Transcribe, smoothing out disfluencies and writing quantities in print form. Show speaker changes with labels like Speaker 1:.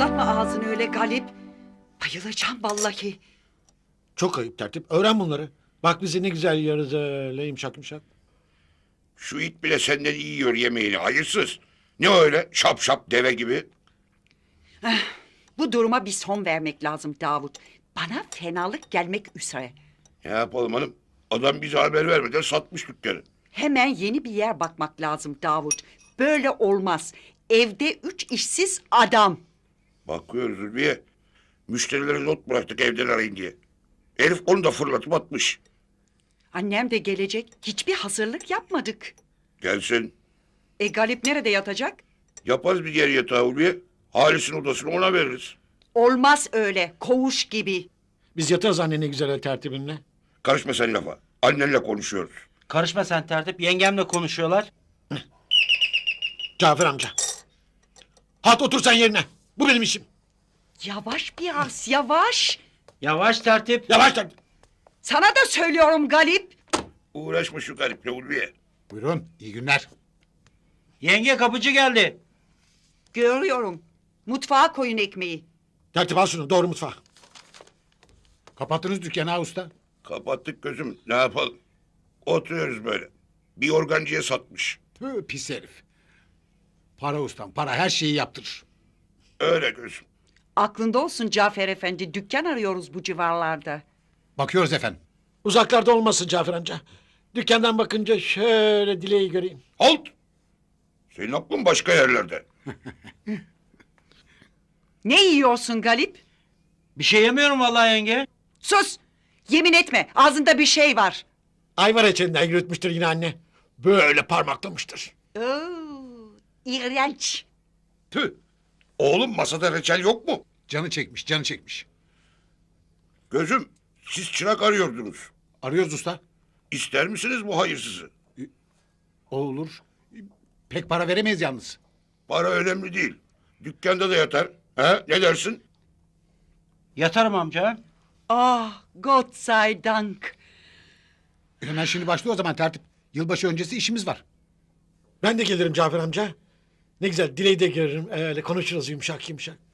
Speaker 1: Patlatma ağzını öyle Galip. Bayılacağım vallahi.
Speaker 2: Çok ayıp tertip. Öğren bunları. Bak bizi ne güzel yiyoruz öyle yumuşak yumuşak.
Speaker 3: Şu it bile senden iyi yiyor yemeğini, hayırsız. Ne öyle şap şap deve gibi?
Speaker 1: Bu duruma bir son vermek lazım Davut. Bana fenalık gelmek üzere.
Speaker 3: Ne yapalım hanım? Adam bize haber vermeden satmış dükkanı.
Speaker 1: Hemen yeni bir yer bakmak lazım Davut. Böyle olmaz. Evde 3 işsiz adam.
Speaker 3: Bakıyoruz Zülfiye. Müşterilere not bıraktık evden arayın diye. Herif onu da fırlatıp atmış.
Speaker 1: Annem de gelecek. Hiçbir hazırlık yapmadık.
Speaker 3: Gelsin.
Speaker 1: Galip nerede yatacak?
Speaker 3: Yaparız bir yer yatağı Ulviye. Halis'in odasını ona veririz.
Speaker 1: Olmaz öyle. Koğuş gibi.
Speaker 2: Biz yatarız anne ne güzel tertibinle.
Speaker 3: Karışma sen lafa. Annenle konuşuyoruz.
Speaker 4: Karışma sen tertip. Yengemle konuşuyorlar.
Speaker 2: Cafer amca. Hat otur sen yerine. Bu benim işim.
Speaker 1: Yavaş biraz, yavaş.
Speaker 4: Yavaş tertip.
Speaker 2: Yavaş tertip.
Speaker 1: Sana da söylüyorum Galip.
Speaker 3: Uğraşma şu gariple Ulviye.
Speaker 5: Buyurun, iyi günler.
Speaker 4: Yenge kapıcı geldi.
Speaker 1: Görüyorum. Mutfağa koyun ekmeği.
Speaker 2: Tertip al şunu doğru mutfağa.
Speaker 5: Kapattınız dükkanı ha usta.
Speaker 3: Kapattık gözüm. Ne yapalım? Oturuyoruz böyle. Bir organcıya satmış.
Speaker 5: Tüh, pis herif. Para ustam, para her şeyi yaptırır.
Speaker 3: Öyle gözüm.
Speaker 1: Aklında olsun Cafer Efendi. Dükkan arıyoruz bu civarlarda.
Speaker 5: Bakıyoruz efendim.
Speaker 2: Uzaklarda olmasın Cafer amca. Dükkandan bakınca şöyle dileği göreyim.
Speaker 3: Halt! Senin aklın başka yerlerde.
Speaker 1: Ne yiyorsun Galip?
Speaker 4: Bir şey yemiyorum vallahi yenge.
Speaker 1: Sus! Yemin etme. Ağzında bir şey var.
Speaker 2: Ayvar reçelinden yürütmüştür yine anne. Böyle parmaklamıştır.
Speaker 1: Oo, iğrenç.
Speaker 3: Tüh! Oğlum masada reçel yok mu?
Speaker 5: Canı çekmiş, canı çekmiş.
Speaker 3: Gözüm, siz çırak arıyordunuz.
Speaker 5: Arıyoruz usta.
Speaker 3: İster misiniz bu hayırsızı?
Speaker 5: O olur. Pek para veremeyiz yalnız.
Speaker 3: Para önemli değil. Dükkanda da yatar. He? Ne dersin?
Speaker 4: Yatarım amca.
Speaker 1: Ah, Gott sei Dank.
Speaker 5: Hemen şimdi başlıyor o zaman tertip. Yılbaşı öncesi işimiz var.
Speaker 2: Ben de gelirim Cafer amca. Ne güzel dileği de görürüm. Öyle konuşuruz yumuşak yumuşak.